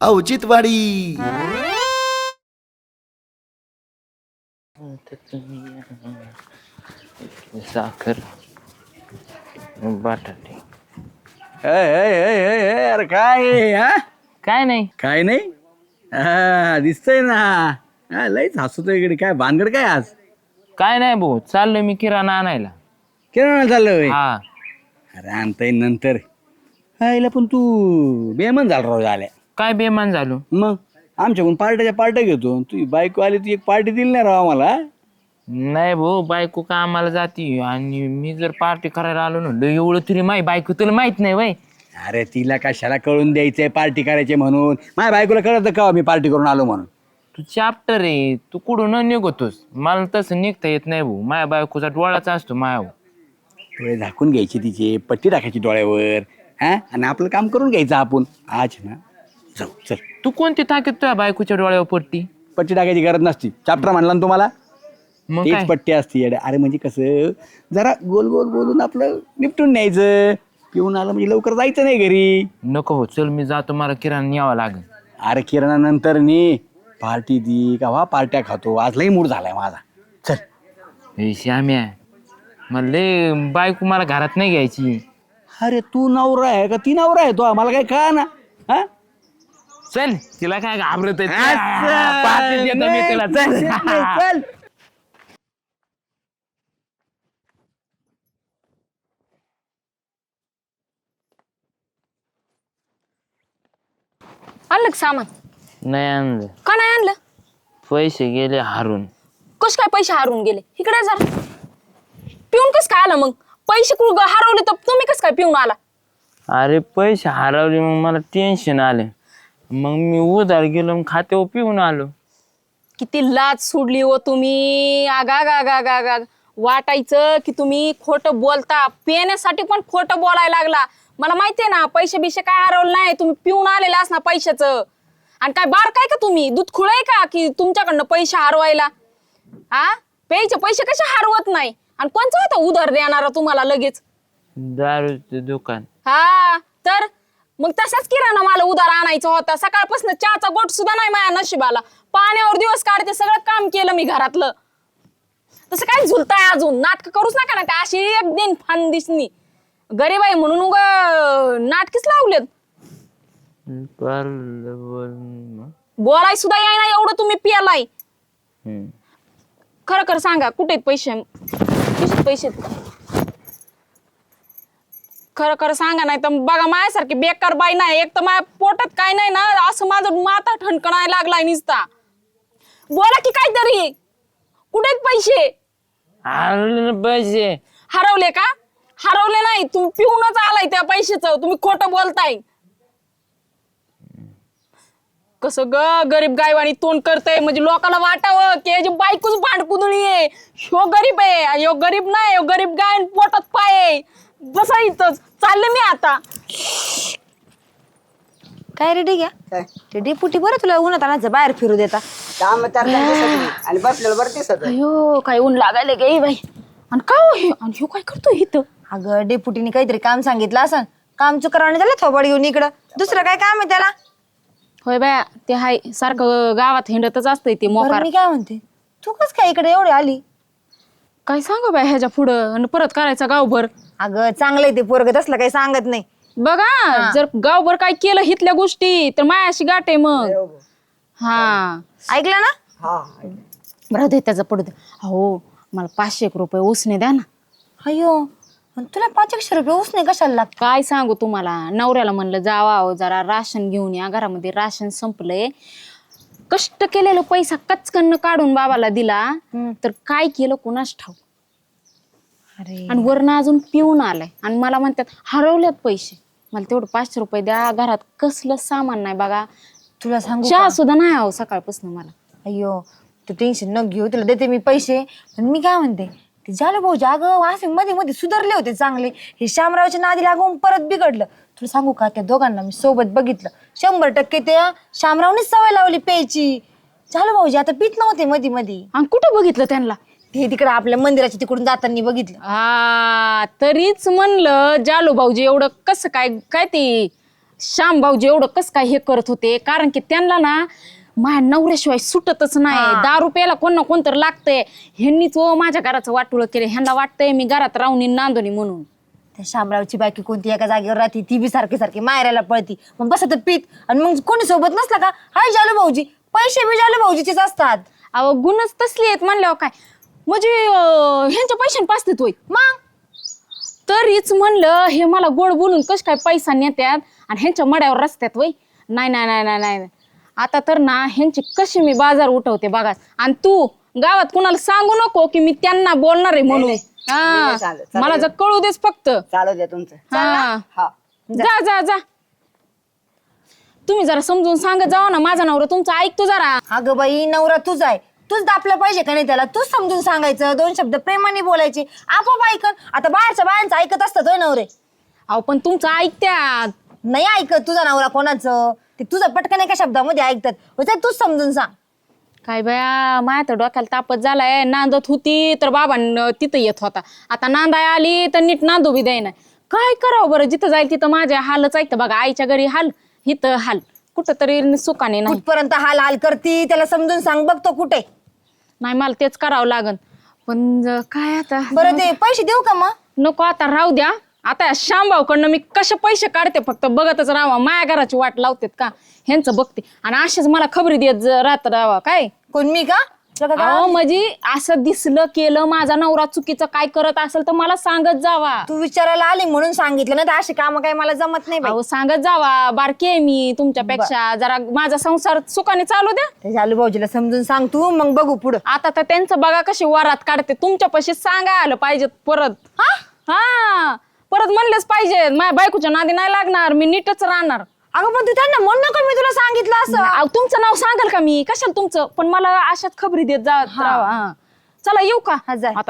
औचित्यवाडी. साखर बटाटे अरे काय हा काय नाही. काय नाही दिसतंय ना लयच हसतोय इकडे. काय भानगड काय आज? काय नाही भाऊ, चाललोय मी किराणा आणायला. किराणा चाललोय? हा. अरे आणता येईल नंतर. हायला पण तू बेमन झाला राव झाल्या. काय बेमान झालो? मग आमच्याकडून पार्ट्या घेतो. तू बायको आली तू एक पार्टी दिली नाही राव आम्हाला. नाही भाऊ, बायको कामाला जाती आणि मी जर पार्टी करायला आलो ना एवढं तरी माही बायको तुला माहित नाही वय. अरे तिला कशाला कळून द्यायचंय पार्टी करायची म्हणून? माझ्या बायकोला कळत का मी पार्टी करून आलो म्हणून? तू चॅप्टर आहे, तू कुठून निघतोस. मला तसं निघता येत नाही भाऊ, माझ्या बायकोचा डोळाचा असतो मायावर. डोळे झाकून घ्यायचे तिचे, पट्टी टाकायची डोळ्यावर हा, आणि आपलं काम करून घ्यायचं आपण. आज ना जाऊ चल. तू कोणती ताकीद तुझ्या बायकोच्या डोळ्यावर पडती? पट्टी टाकायची गरज नसती. चॅप्टर म्हणला ना तुम्हाला, मग तेच काय? पट्टी असते येड्या. अरे म्हणजे कसं जरा गोल गोल बोलून आपलं निपटून न्यायचं. पिऊन आलं म्हणजे लवकर जायचं नाही घरी. नको हो, चल मी जातो, मला किराणा न्यावा लागेल. अरे किराणा नंतर नी पार्टी दी का पार्ट्या खातो. आज लई मूड झालाय माझा. चल. हे श्याम्या, मला लय बायको मला घरात नाही घ्यायची. अरे तू नवरा आहे का ती नवरा आहे तो? मला काय कळा ना. हा चल, तिला काय घाबरत आहे? असं पार्टी देतो मी तिला, चल. चल. आणलं का सामान? नाही आणलं. का नाही आणलं? पैसे गेले हारून. कस काय पैसे हरवून गेले? इकडे जरा. पिऊन कस काय आला मग? पैसे हरवले तर तुम्ही कस काय पिऊन आला? अरे पैसे हरवले, मग मला टेन्शन आले. मग मी उधार गेलो, मग खात्यावर पिऊन आलो. किती लाज सोडली हो तुम्ही. आगा वाटायचं की तुम्ही खोटं बोलता, पिण्यासाठी पण खोटं बोलायला लागला. मला माहितीये ना, पैसे बिशे काय हरवलं नाही, तुम्ही पिऊन आलेला असणार पैशाचं. आणि काय बार काय का तुम्ही? दूध खुळाय का की तुमच्याकडनं पैसे हरवायला? हा, प्यायचे पैसे कसे हरवत नाही? आणि कोणचं होतं उधार देणारा तुम्हाला लगेच? दारूचं दुकान. हा, तर मग तसाच किराणा मला उधार आणायचा होता. सकाळपासून चहाचा गोट सुद्धा नाही माझ्या नशिबाला. पाण्यावर दिवस काढते, सगळं काम केलं मी घरातलं. तसं काय झुलताय अजून? नाटक करूच नका ना. अशी एक दिन फान दिसनी गरीब आहे म्हणून उग नाटकीच लावलेत. बोलाय सुद्धा याय ना एवढं तुम्ही पियालाय. खरं खरं सांगा, कुठे पैसे? पैसे खरं खरं सांगा, नाही तर बघा माझ्यासारखी बेकार बाई नाही. एक तर माझ्या पोटात काय नाही ना, असं माझं माथा ठणकणायला लागलाय निसता. बोला की काहीतरी. कुठे पैसे? पैसे हरवले का? हरवले नाही, तुम्ही पिऊनच आलाय त्या पैशाचं. तुम्ही खोटं बोलताय. कसं ग गरीब गायवानी तोंड करतय, म्हणजे लोकांना वाटावं की याची बायकोच भांडकुदळी आहे. ह्यो गरीब आहे, ह्यो गरीब नाही, ह्यो गरीब गाय पोटात पाय आहे. बसा इथंच, चालले मी आता. काय रे? ठीक आहे. ते डेपुटी बरं तुला उन्हात आणायचं बाहेर फिरू देता. काम आणि बसलेलं बरं दिसत. अयो काय ऊन लागायला गे बाई. आणि का आणि ह्यो काय करतोय इथं? अगं डेपुटीने काहीतरी काम सांगितलं असं. काम चुकराने झालं थोबड घेऊन इकडं. दुसरं काय काम आहे त्याला? होय बाया, ते हाय सारखं गावात हिंडतच असतंय ते बरं, मोकार. मी काय म्हणते, तू कस काय इकडे एवढी आली? काय सांगू बाय ह्याच्या पुढं आणि परत करायचा गावभर. अगं चांगलंय ते पोरग, तसलं काही सांगत नाही. बघा, जर गावभर काय केलं हितल्या गोष्टी तर मायाशी गाठ आहे मग. हा, ऐकलं ना? बरं दे त्याचा पडू दे. हो, मला 500 रुपये उसने द्या ना. अयो, पण तुला 500 रुपये उसने कशाला लागत? काय सांगू तुम्हाला, नवऱ्याला म्हणलं जावा जरा राशन घेऊन या, घरामध्ये राशन संपलंय. कष्ट केलेलं पैसा कचकन काढून बाबाला दिला, तर काय केलं कुणास ठाऊक. अरे, आणि वरनं अजून पिऊन आलाय आणि मला म्हणतात हरवल्यात पैसे. मला तेवढं 500 रुपये द्या, घरात कसलं सामान नाही बघा. तुला सांगू चहा का? सुद्धा नाही आहो सकाळपासून मला. अयो, तू टेन्शन न घेऊ, तुला देते मी पैसे. पण मी काय म्हणते, ते झालं भाऊजी अगं असे मध्ये मध्ये सुधारले होते चांगले. हे शामरावच्या नादी लागून परत बिघडलं. तुला सांगू का, त्या दोघांना मी सोबत बघितलं. 100% त्या शामरावनेच सवय लावली प्यायची. झालं भाऊजी आता पित नव्हते मध्ये मध्ये. आणि कुठं बघितलं त्यांना? ते तिकडे आपल्या मंदिराच्या तिकडून जाताना बघितलं. हा, तरीच म्हणलं जालो भाऊजी एवढं कसं काय काय ते श्याम भाऊजी एवढं कस काय हे करत होते, कारण की त्यांना ना माझ्या नवऱ्याशिवाय सुटतच नाही. दारू प्यायला कोण ना कोणतर लागतंय. ह्यांनीच माझ्या घराचं वाटोळं केलं. ह्यांना वाटतंय मी घरात राहुनी नांदोनी म्हणून. त्या शामरावची बायकी कोणती एका जागेवर राहते, ती बी सारखी सारखी मायरायला पळती, मग बसत पीत. आणि मग कोणी सोबत नसला का हाय जालू भाऊजी, पैसे बी जालू भाऊजीचेच असतात. अहो गुणच तसली आहेत म्हणल्यावर काय, म्हणजे ह्यांच्या पैशाने पाचतेत होय. मग तरीच म्हणलं हे मला गोड बोलून कस काय पैसा नेत्यात आणि ह्यांच्या मड्यावर रस्त्यात वय. नाही नाही नाही नाही नाही, आता तर ना ह्यांची कशी मी बाजार उठवते बघा. आणि तू गावात कुणाला सांगू नको की मी त्यांना बोलणार आहे म्हणून. हा चालेल, मला जर कळू देच फक्त. चालू द्या तुमचं. हा हा जा जा जा, तुम्ही जरा समजून सांगत जावा ना, माझा नवरा तुमचा ऐकतो जरा. अगं बाई, नवरा तुझा आहे, तूच दापलं पाहिजे का नाही त्याला. तूच समजून सांगायचं, 2 शब्द प्रेमाने बोलायचे, आपोआप ऐकन. आता बाहेरच्या बायांचं ऐकत असतात होय नवरे. अहो पण तुमचं ऐकत्यात. नाही ऐकत तुझा नवरा कोणाचं, ते तुझं पटकन एका शब्दामध्ये ऐकतात. म्हणजे तूच समजून सांग. काय बाया, माझ्या तर डोक्याला तापत झालाय. नांदत होती तर बाबा तिथं येत होता, आता नांदाय आली तर नीट नांदू बी द्याय नाही. काय करावं बरं, जिथं जाईल तिथं माझ्या हालच ऐकतं बघा. आईच्या घरी हाल, इथं हाल, कुठं तरी सुखाने नाही. कुठपर्यंत हाल हाल करती, त्याला समजून सांग बघतो कुठे. नाही मला तेच करावं लागन. पण काय आता बरं ते पैसे देऊ का मग. नको, आता राहू द्या. आता श्यामभाऊकडनं मी कसे पैसे काढते फक्त बघतच राहावा. माझ्या घराची वाट लावतेत का ह्यांचं बघते, आणि असेच मला खबरी देत राहत राहावा. काय कोण मी का. अहो म्हणजे असं दिसलं केलं माझा नवरा चुकीचं काय करत असेल तर मला सांगत जावा. तू विचारायला आली म्हणून सांगितलं ना, तर अशी काम काय मला जमत नाही बाई. अहो सांगत जावा, बारकी आहे मी तुमच्यापेक्षा, जरा माझा संसार सुखाने चालू द्या. त्या जालू भाऊजीला समजून सांग तू, मग बघू पुढं. आता तर त्यांचं बघा कशी वरात काढते, तुमच्यापाशी सांगा आलं पाहिजे परत. हा परत म्हणलेच पाहिजे, माझ्या बायकोच्या नादी नाही लागणार, मी नीटच राहणार. अगं पण तू त्यांना म्हण नका मी तुला सांगितलं असं. अहो, तुमचं नाव सांगाल का मी, कशाला तुमचं, पण मला अशाच खबरी देत जा राहावा. हा. चला येऊ का आता.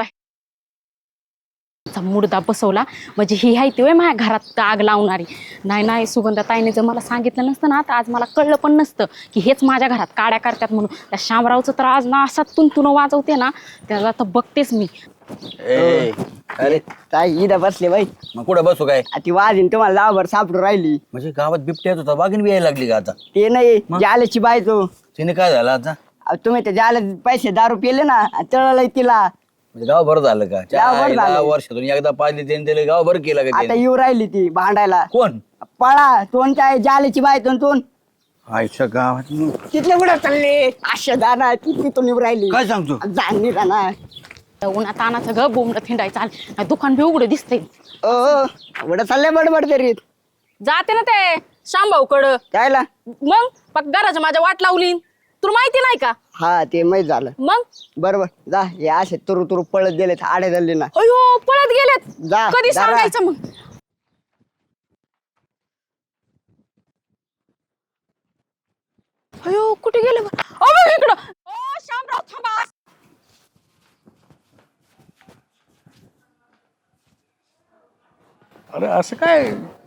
मुडदा बसवला म्हणजे ही आहे ते माझ्या घरात आग लावणारी. नाही नाही, सुगंधा ताईने जर मला सांगितलं नसतं ना, तर आज मला कळलं पण नसतं की हेच माझ्या घरात काड्या करतात म्हणून. त्या शामरावचं तर आज ना असा तुन वाजवते ना, त्याला तर बघतेच मी. अरे ताई इथं बसले बाई. मग कुठं बसू काय. ती वाजीन तुम्हाला लावभर सापडून राहिली. म्हणजे गावात बिबट्या येत होता, वाघीण बी यायला लागली का आता. ते नाही जाल्याची बायको. तिने काय झालं आता. तुम्ही ते जाल्या पैसे दारू पिले ना, तळलं तिला. म्हणजे गाव बरं झालं का. गाव बरं झालं. वर्षातून एकदा पाहिजे त्याने त्याला गाव बरं केलं का आता त्याने? येऊ राहिली ती भांडायला. कोण. पळा तोंडच्या जाल्याची बायको तोंड. आयुष्य गावात तिथले कुठं चालले अशा जाणार ती तिथून येऊ राहिली. काय सांगतो. जाणी राहणार. उन्हात आणाचं ग बोंबड थिंडायचं आलं, दुकान बी उघडं दिसतंय. एवढं चाललंय बडबड तरीत. जाते ना ते शामभाऊकडं. कायला. मग पक घराच्या माझ्या वाट लावली, तुला माहिती नाही का. हा ते माहित झालं. मग बरोबर जा, हे असे तुरु तुरु पळत गेलेत आडे झाले ना. अयो पळत गेलेत. जा, कधी जरा. सांगायचं मग. अयो कुठे गेले बरं? अहो, बघ इकडं. ओ शामराव थांबा. अरे असं काय.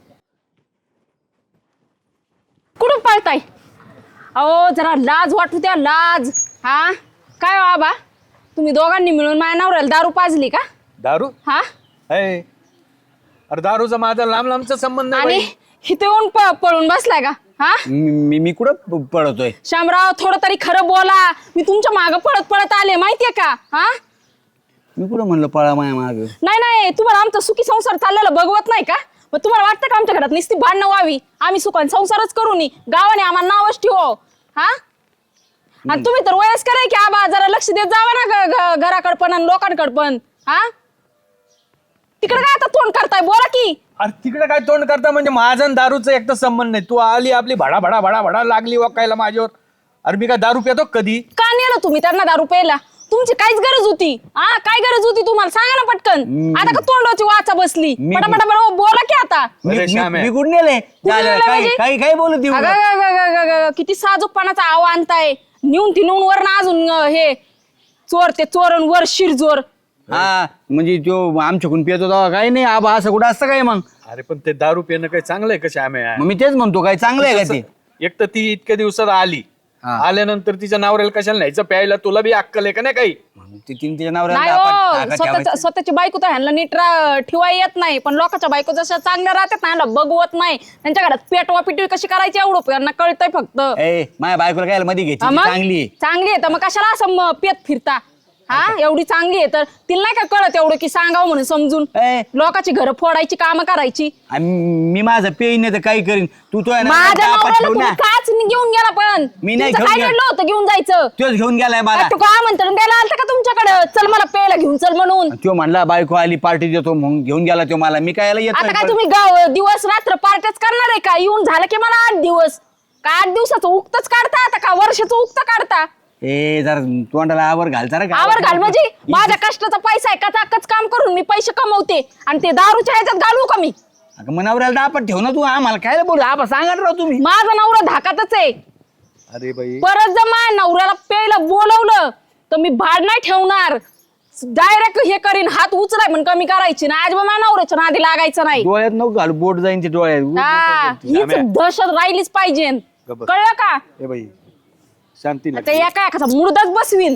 कुठून पळताय. अहो जरा लाज वाटू द्या, लाज. हा काय बाबा, तुम्ही दोघांनी मिळून माझ्या नवऱ्याला दारू पाजली का. दारू हा आहे. अरे दारूचा माझा लांब लांबचा संबंध नाही आणि बाई. इथे येऊन पळून बसलाय का. हा मी कुठं पळतोय. शामराव थोडं तरी खरं बोला, मी तुमच्या मागं पळत पळत आले माहितीये का. हा मी कुठं म्हणलं पळा माया माग. नाही नाही, तुम्हाला आमचा सुखी संसार चाललेला बघवत नाही का. मग तुम्हाला वाटतं का आमच्या घरात नुसती भांडणं व्हावी, आम्ही सुखाने संसारच करू नये, गावाने आम्हाला नावच ठेवो. हा आणि तुम्ही तर वयस्कर आहे की आबा, जरा लक्ष देत जावा ना घराकडे पण आणि लोकांकडे पण. हा तिकडे काय आता तोंड करताय, बोला की. अरे तिकडे काय तोंड करता, म्हणजे माझा आणि दारूचा एक तर संबंध नाही. तू आली आपली भडा भडा भडा भडा लागली वाकायला माझ्यावर. अरे मी काय दारू पितो कधी. का नेलं तुम्ही त्यांना दारू प्यायला, तुमची काहीच गरज होती. हा काय गरज होती तुम्हाला, सांगा ना पटकन. आता का तोंडाची वाचा बसली, पटापटा बोला की आता. अरे श्याम आहे. मी कुठं नेले. कुठं नेलंय म्हणजे? काही बोलत येऊ नका. अगं, किती साजूकपणाचा आवा आणताय. नेऊन वर ना अजून हे चोर ते चोरण वर शिरजोर. हा म्हणजे तो आमच्याकडून पियत होता काय नाही आबा, असं कुठं असतं काय मग. अरे पण ते दारू पिणं काही चांगलं आहे का श्याम आहे. मग मी तेच म्हणतो काय चांगलं आहे का ते. एक तर ती इतक्या दिवसात आली आल्यानंतर तिच्या नवऱ्याला कशाला न्यायचं प्यायला, तुला बी अक्कल आहे का नाही काही? म्हणून ती तिच्या नवऱ्याला नाही आपण हो ताकद ठेवायची. स्वतःची बायको तर ह्यांना नीट ठेवाय येत नाही, पण लोकांच्या बायको जशा चांगल्या राहतात ना ह्यांना बघवत नाही. त्यांच्या घरात पेटवा पिटवी कशी करायची एवढं यांना कळतंय फक्त. ए माझ्या बायकोला काय मध्ये घ्यायची, हा ती मग? चांगली आहे. चांगली आहे तर मग कशाला असं पेत फिरता? हा एवढी चांगली आहे तर तिला नाही का कळत एवढं की सांगावं म्हणून समजून ए. लोकांची घरं फोडायची कामं करायची. आणि मी माझं पेन नाही तर काही करीन. तू तो आहे ना, माझ्या आपण नवऱ्याला ठेवू तुम्ही ना. काच घेऊन गेला पण मी नाही तुमचं घेऊन काय गेलो. घडलं होतं घेऊन जायचं? तोच घेऊन गेलाय मला. काय तू काय म्हणतो द्यायला आलता का तुमच्याकडे चल मला प्यायला घेऊन चल म्हणून? तो म्हणला बायको आली पार्टी देतो म्हणून घेऊन गेला तो मला. मी काय येत आता नाही काय पण. तुम्ही दिवस रात्र पार्ट्याच करणार आहे का? येऊन झालं की मला 8 दिवस का 8 दिवसाचं उक्तच काढता आता का वर्षाचं उक्त काढता? ए जरा तोंडाला आवर घालता रे का? आवर घाल म्हणजे माझ्या कष्टाचा पैसा आहे कचाकच काम करून मी पैसे कमवते आणि ते दारूच्या ह्याच्यात घालवू का मी? अगं मग नवऱ्याला आपण ठेव ना, तू आम्हाला काय बोलू आपण सांगा ना राव तुम्ही. माझा नवरा धाकातच आहे. अरे बाई परत जर माझ्या नवऱ्याला प्यायला बोलवलं तर मी भाड नाही ठेवणार, डायरेक्ट हे करीन, हात उचलाय पण कमी करायची ना. आज माझ्या नवऱ्याच्या नादी लागायचं नाही. डोळ्यात नको घालू, बोट जाईन ते डोळ्यात. हा हीच दहशत राहिलीच पाहिजे. कळलं का? ए बाई शांती आता एका एखादा मुर्दाच बसवीन.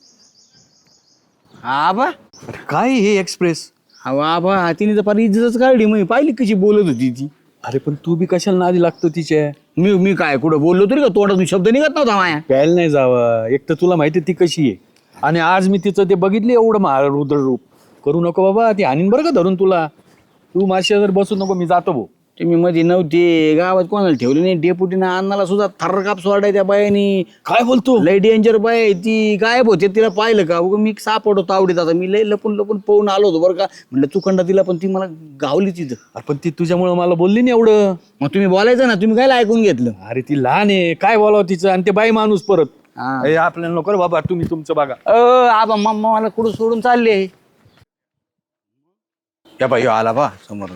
आबा काय हे एक्सप्रेस? आबा तिने तर फार इज्जतच काढली. मी पाहिली कशी बोलत होती ती. अरे पण तू बी कशाला नादी लागतो तिच्या? मी काय कुठं बोललो तरी का तोंडातून शब्द निघत नव्हता माया. प्यायला नाही जावं. एक तर तुला माहिती ती कशी आहे, आणि आज मी तिचं ते बघितले एवढं रुद्र रूप. करू नको बाबा, ती हानीन बरं का धरून तुला. तू माझ्या जर बसू नको, मी जातो भाऊ. तुम्ही मध्ये नव्हते गावात, कोणाला ठेवले नाही. डेपुटीनं अन्नाला सुद्धा थर्र काप सोडाय त्या बायानी. काय बोलतो? लय डेंजर बाय आहे ती. गायब होते, तिला पाहिलं का? उगा मी सापडतो आवडीत. आता मी लय लपून लपून पळून आलो होतो बरं का. म्हणलं चुकंडा तिला, पण ती मला गावली तिथं. अरे पण ती तुझ्यामुळे मला बोलली नाही एवढं. मग तुम्ही बोलायचं ना, तुम्ही काय ऐकून घेतलं? अरे ती लहान आहे, काय बोलावं तिचं, आणि ते बाई माणूस परत. हा. ए, आपल्याला नको रे बाबा, तुम्ही तुमचं बघा. आबा मम्मा मला कुठं सोडून चालले. या बाई आला बा समोरून.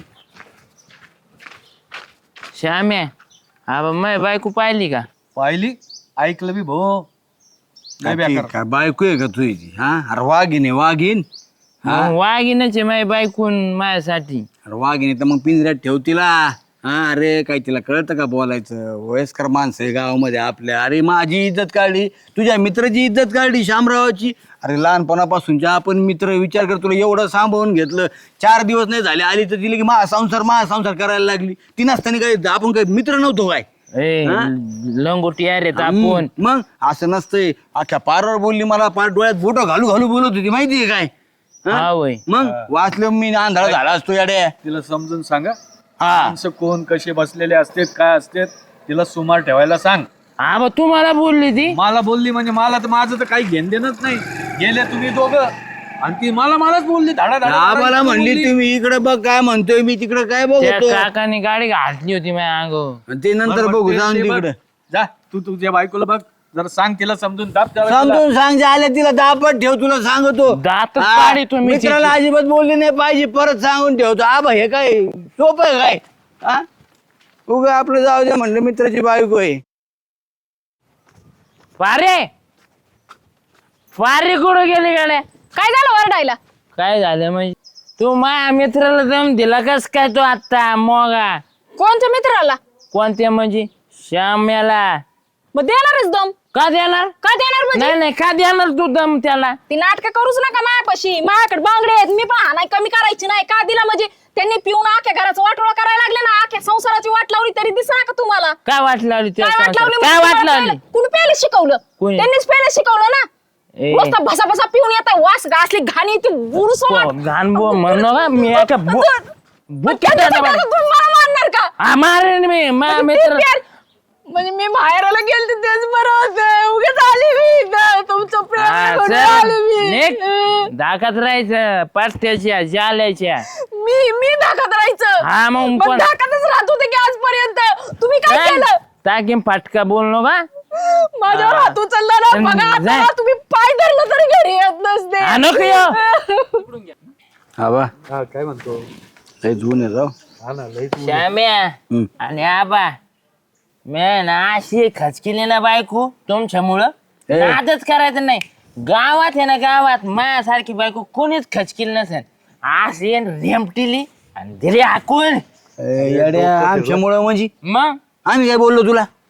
श्याम्या हा मग बायको पाहिली का? पाहिली, ऐकलं बी भाऊ. लय बेकार. काय बायको आहे का तुझी? हा अरे वाघीन आहे, वाघीन. मग वाघीनच आहे माझी बायकून माझ्यासाठी. अरे वाघीन आहे तर मग पिंजऱ्यात ठेव तिला. हा अरे काय तिला कळतं का बोलायचं? वयस्कर माणसं आहे गावामध्ये आपल्या. अरे माझी इज्जत काढली, तुझ्या मित्राची इज्जत काढली, शामरावाची. अरे लहानपणापासूनच्या आपण मित्र. विचार कर, तुला एवढं सांभाळून घेतलं, 4 दिवस नाही झाले आली तर तिला की महासंसार करायला लागली. ती नसताना काय आपण काय मित्र नव्हतो काय? ए लंगोटी अरे आपण. मग असं नसतंय. अख्ख्या पारावर बोलली, मला पार डोळ्यात बोट घालू घालू बोलत होती माहितीये काय? हा वय. मग वाचलं मी, आंधळा झाला असतो याड्या. तिला समजून सांगा, हा माणसं कोण कसे बसलेले असतात, काय असतात, तिला सुमार ठेवायला सांग. हा मग तुम्हाला बोलली ती. मला बोलली म्हणजे मला तर माझं तर काही घेण देणच नाही. गेले तुम्ही दोघं, आणि ती मलाच बोलली धाडा धाडा. आम्हाला म्हणली तुम्ही इकडे बघ काय म्हणतोय मी, तिकडे काय त्या बघतो. काकाने गाडी घातली होती माझ्या अंगावर. ते नंतर बघू, जाऊन तिकडे. जा तू तुझ्या बायकोला बघ, जरा सांग तिला समजून दाब त्याला तिला. समजून सांग, आल्या तिला दापट ठेव, तुला सांगतो. दातच हा, काढी तुम्ही मित्राला अजिबात बोलली नाही पाहिजे, परत सांगून ठेवतो. आबा हे काय सोपं आहे काय? हा उगा आपलं जाऊ दे म्हणलं, मित्राची बायको आहे. पारे कुठं गेली गाड्या? काय झालं वरडायला? काय झालं म्हणजे? तू माझ्या मित्राला दम दिला कस काय तो आता मोगा? कोणत्या मित्राला? कोणत्या म्हणजे? श्याम्याला. मग देणारच दम. का देणार? का देणार म्हणजे? नाही नाही का देणार तू दम त्याला? ती नाटकं करूच नका माझ्यापाशी. माझ्याकडे बांगडे आहेत, मी पण हाणाय कमी करायची नाही. का दिला म्हणजे? त्यांनी पिऊन आख्या घराचं वाटोळा करायला लागले ना, आख्या संसाराची वाट लावली तरी दिसणार का तुम्हाला? काय वाट लावली त्या काय वाट संसारात? लावली? काय वाट लावली? कुणी प्यायला शिकवलं? कोणी? त्यांनीच प्यायला शिकवलं ना. ए. नुसतं भसा पिऊन येतात, वास घासली घाणी ती बुरस घाण बो म्हणू का मी एका मला मारणार का? मारेन मी माझ्या मित्र. म्हणजे मी बाहेरला गेलते तेच बरं होतं. उगाच आली मी इथं. तुमचं प्रेम बघून आले मी. दाखत राहायचं पट्ट्याच्या जाल्याच्या. मी धाकात राहायचं. हा मग पण कोण? धाकातच राहत होते की आजपर्यंत. तुम्ही काय केलं? टाकीन फाटका बोललो का? माझ्यावर हात उचलला ना बघा. जाय. आता तुम्ही पाय धरलं तरी घरी येत नसते. नको येऊ. आबा हा काय म्हणतो? लय जुन आहे जाऊ. हा ना लय श्याम्या आणि आबा मी ना अशी खचकिली ना बायको तुमच्यामुळं. ए. नादच करायचं नाही. गावात आहे ना, गावात माझ्यासारखी बायको कोणीच खचकिली नसेल. अशी रेमटिली आणि दिली हाकून. येड्या आमच्यामुळं म्हणजे मग आम्ही काय बोललो तुला?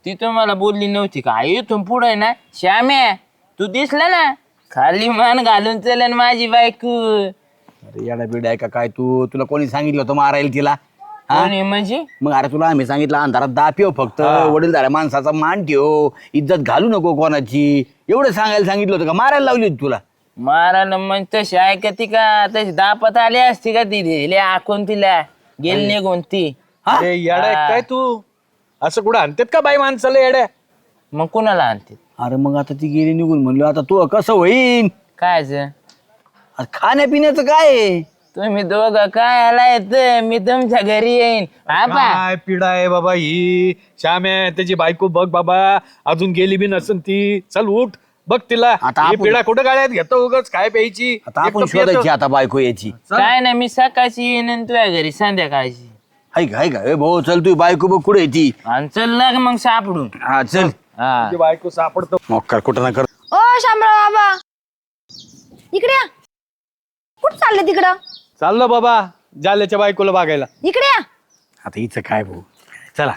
ती तुम्हाला बोलली नव्हती का इथून पुढे ना श्याम्या तू दिसला ना खाली मान घालून चलन माझी बायको. अरे येडा बिडा आहे का काय तू? तुला कोणी सांगितलं होतं मारायला तिला? हा? कोणी म्हणजे मग अरे तुला आम्ही सांगितलं अंधारात दापिव फक्त वडील झाल्या माणसाचा मान ठेव, इज्जत घालू नको कोणाची, एवढं सांगायला सांगितलं होतं का? मारायला लावली होती तुला? मारायला मग तशी ऐकती का? तशी दापत आली असती का ती दिली आखून तिला गेली निघून ती. अरे येडा आहे काय तू? असं कुठं आणतात का बाई माणसाला येड्या? मग कुणाला आणते अरे मग आता ती गेली निघून म्हणलो, आता तू कसं होईन? कायच खाण्यापिण्याचं काय आहे? तुम्ही दोघं काय आलाय मी तुमच्या घरी येईन आबा. काय पिढा आहे बाबा ही. श्याम्या त्याची बायको बघ बाबा, अजून गेली बी नसन ती. चल उठ बघ तिला. आता ही आपण- पिढा कुठं गाड्यात घेतो उगाच काय प्यायची? आता आपण एकटं पियतं. शोधायची आता बायको याची. काय नाही मी सकाळची येईन आणि तुझ्या घरी संध्याकाळची. हाय का ए भाऊ, चल तू बायको बघ कुठे ती. आणि चल लाग मग सापडून. हा चल. हा तुझी बायको सापडतो. मग कुठं ना कर. ओ शामराव बाबा इकडे या. कुठं चालले तिकडं? चाललो बाबा जाल्याच्या बायकोला बघायला. इकडे या. आता हिचं काय भाऊ, चला.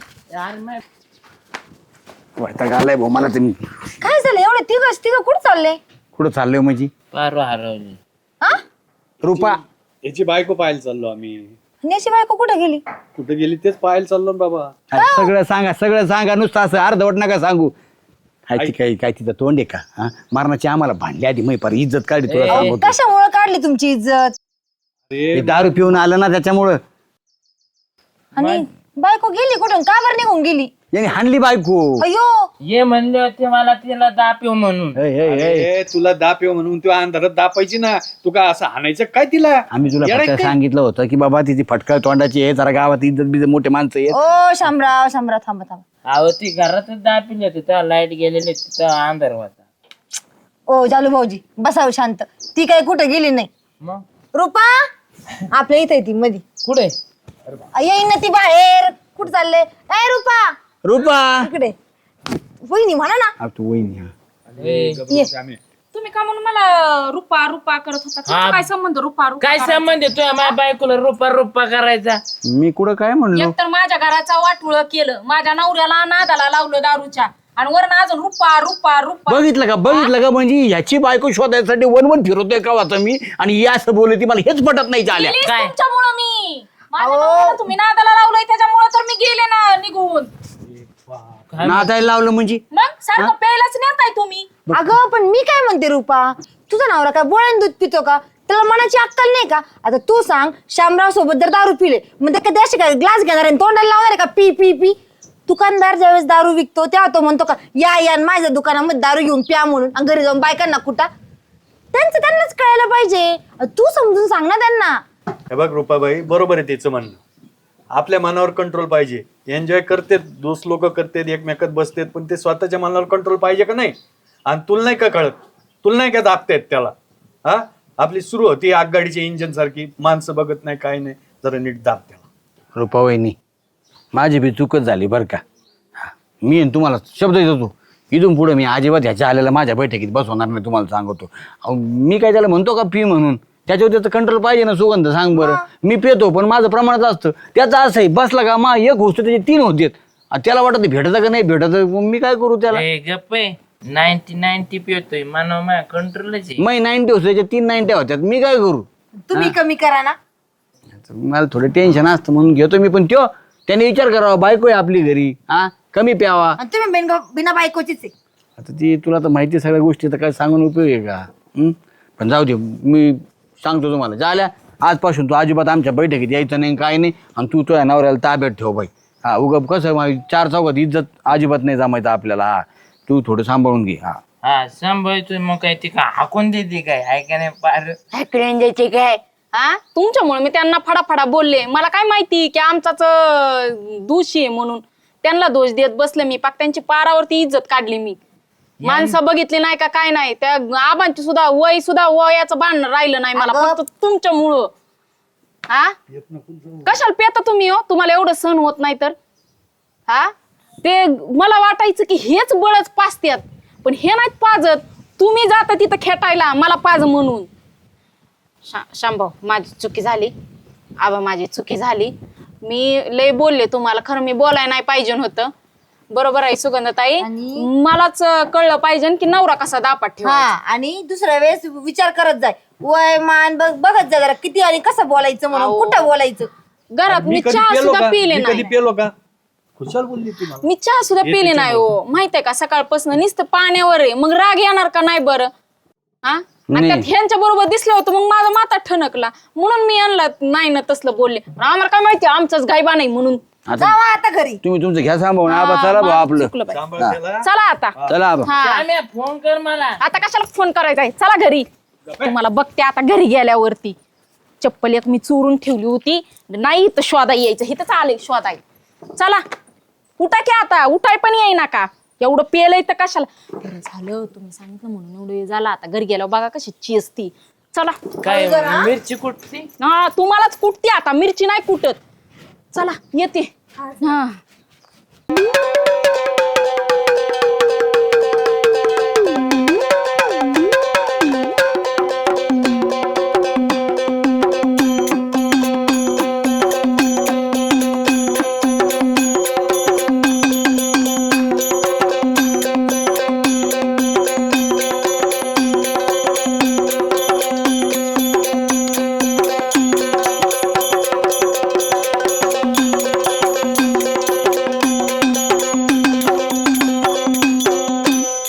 वैताग आलाय भाऊ मला. तुम्ही काय झालं एवढे तिघ कुठं चालले? कुठं चाललोय माझी परवा हरवली. हा रुपा? याची बायको पाहायला चाललो आम्ही. नेशी बायको कुठं गेली? कुठे गेली तेच पाहायला चाललो ना बाबा. सगळं सांगा नुसतं असं अर्धवट नका सांगू. हाय ती काय तिचं तोंड आहे का? हा मारण्याची आम्हाला भांडली आधी मै पर इज्जत काढली तुला सांगतो. कशामुळे काढली तुमची इज्जत? हे दारू पिऊन आलं ना त्याच्यामुळं. आणि बायको गेली कुठून? का बरं निघून गेली? याने हाणली बायको. अयो ये म्हणले होते मला तिला दापिव म्हणून. ए, तुला दाप येऊ म्हणून तू अंधारात दापायची ना. तू का असं हाणायचं काय तिला? आम्ही तुला येडा फक्त काय? सांगितलं होतं की बाबा तिची फटका तोंडाची आहे, जरा गावात इज्जत बिजत मोठे माणसं आहेत. ओ शामराव थांबा. अहो ती घरातच दापिली होती तेव्हा लाईट गेलेली तिथं अंधार होता. ओ जालू भाऊजी बसाव शांत. ती काय कुठं गेली नाही. मग रुपा आपल्या इथे ती मधी कुठे? येईन ना ती बाहेर. कुठं चालले? ए रुपा रुपा इकडे. वहिनी म्हणा ना. आ, तू वहिनी हा. ये. तुम्ही का म्हणून मला रुपा रुपा करत होता? तुमचा काय संबंध रुपा रुपा काय संबंध आहे तुझ्या माझ्या बायकोला रुपा करायचा? मी कुठं काय म्हणलो? एकतर माझ्या घराचा वाटुळ केलं, माझ्या नवऱ्याला नादाला लावलं दारूच्या, आणि वरून अजून रुपा रुपा रुपा. बघितलं का म्हणजे ह्याची बायको शोधायसाठी वन फिरवतोय का वाचा मी, आणि ही असं बोलली मला हेच पटत नाही चाल्या. गेलीच काय? तुमच्यामुळं मी. माझ्या नवऱ्याला तुम्ही नादाला लावलंय त्याच्यामुळं तर मी गेले ना निघून. नाचायला लावलं म्हणजे? मग सारखं प्यायलाच नेताय तुम्ही. अगं पण मी काय म्हणते रुपा, तुझा नवरा काय बोळ्यान दूध पितो का? त्याला मनाची अक्कल नाही का? आता तू सांग, शामराव सोबत जर दारू पिले मग ते कधी काय ग्लास घेणार आणि तोंडाला लावणार आहे का? पी पी पी. दुकानदार ज्यावेळेस दारू विकतो तेव्हा तो म्हणतो का या माझ्या दुकानामध्ये दारू घेऊन प्या म्हणून, आणि घरी जाऊन बायकांना कुठा? त्यांनाच कळायला पाहिजे. तू समजून सांग ना त्यांना. हे बघ रुपाबाई, बरोबर आहे तिचं म्हणणं. आपल्या मनावर कंट्रोल पाहिजे. एन्जॉय करतेत, दोस्त लोक करतेत, एकमेकात बसतेत, पण ते स्वतःच्या मनावर कंट्रोल पाहिजे का नाही? आणि तुला नाही का कळत? तुला नाही का दाबतेत त्याला? हा आपली सुरू होती आगगाडीच्या इंजिन सारखी, माणसं बघत नाही काय नाही, जरा नीट दाब त्याला. रुपा वहिनी माझी बी चूकच झाली बरं का. हा, मी आणि तुम्हाला शब्द देतो, इथून पुढे मी अजिबात ह्याच्या आलेला माझ्या बैठकीत बसवणार नाही, तुम्हाला सांगतो. अहो, मी काय त्याला म्हणतो का पी म्हणून? त्याच्यावर त्याचं कंट्रोल पाहिजे ना. सुगंध सांग बरं. मी पितो पण माझं प्रमाणात असतं. त्याचं असं आहे, बसला का मा एक गोष्ट त्याचे 3 होते. त्याला वाटत भेटत का नाही भेटत, मी काय करू त्याला? गप्प 90 पितोय मानव माझ्या कंट्रोलच आहे. मै 90 होते, त्याच्या 3 90 होत्यात, मी काय करू? तुम्ही कमी करा ना. मला थोडं टेन्शन असतं म्हणून घेतो मी, पण त्याने विचार करावा, बायको आहे आपली घरी, हा कमी प्यावा. आणि तुम्ही बिना बायकोचीच आहे. आता ती तुला तर माहिती सगळ्या गोष्टी, तर काय सांगून उपयोग आहे का? पण जाऊ दे, मी सांगतो तुम्हाला, झाल्या आजपासून तू अजिबात आमच्या बैठकीत यायचं नाही काय नाही. आणि तू तुझ्या नवऱ्याला ताब्यात ठेव बाई. हा उगप कसं 4 चौघात इज्जत अजिबात नाही जमायचं आपल्याला. हा तू थोडं सांभाळून घे. हा सांभाळतोय. मग काय ती का हाकून देते काय? हाय का नाही पार हॅकड्यान द्यायचे काय? हा तुमच्यामुळे मी त्यांना फडाफडा बोलले. मला काय माहिती की आमचाच दोषी आहे म्हणून त्यांना दोष देत बसले मी. पाक त्यांची पारावरती इज्जत काढली मी. माणसं बघितली नाही का काय नाही. त्या आबांची सुद्धा वयाचं भांडण राहिलं नाही मला, फक्त तुमच्यामुळं. हा कशाला पेता तुम्ही हो? तुम्हाला एवढं सहन होत नाही तर? हा ते मला वाटायचं की हेच बळच पाजत्यात, पण हे नाहीत पाजत. तुम्ही जाता तिथं खेटायला मला पाज म्हणून. शांभाऊ माझी चुकी झाली. आबा माझी चुकी झाली. मी लय बोलले तुम्हाला, खरं मी बोलायला नाही पाहिजे होतं. बरोबर आहे सुगंधताई. आणि- मलाच कळलं पाहिजे की नवरा कसा दापात हा ठेवा. आणि दुसऱ्या वेळेस विचार करत जाय, वय मान बघत जा जरा किती आणि कसं बोलायचं म्हणून, कुठं बोलायचं. घरात मी कधी चहा पेलो सुद्धा का पिले मी कधी नाही. पेलो का खुशाल बोलली ती मला. मी चहा सुद्धा पिले नाही हो, माहितीये का सकाळपासून नुसतं पाण्यावर आहे. मग राग येणार का नाही बरं हा? आणि त्यात ह्यांच्या बरोबर दिसलं होतं मग माझा माता ठणकला म्हणून मी आणला नाही ना तसलं बोलले. आम्हाला काय माहिती आमचाच गायबा नाही म्हणून. जावा आता घरी. तुम्ही तुमचं घ्या सांभाळून आबा चला भाऊ आपलं. चुकलं बाई. सांभाळ त्याला. चला आता. चला आबा. हा श्याम्या, फोन कर मला. आता कशाला फोन करायचा आहे, चला घरी. तुम्हाला बघते आता घरी गेल्यावरती. चप्पल एक मी चोरून ठेवली होती, नाही तर शोधा यायचं, इथंच आले शोधाय. चला उठा की आता, उठाय पण येईना का, एवढं पेलंय तर कशाला. बरं झालं तुम्ही सांगितलं म्हणून एवढं वेळ झाला. आता घरी गेल्यावर बघा कशी चेसती. चला काय मिरची कुठती? हा तुम्हालाच कुटती आता, मिरची नाही कुटत. चला येते. हा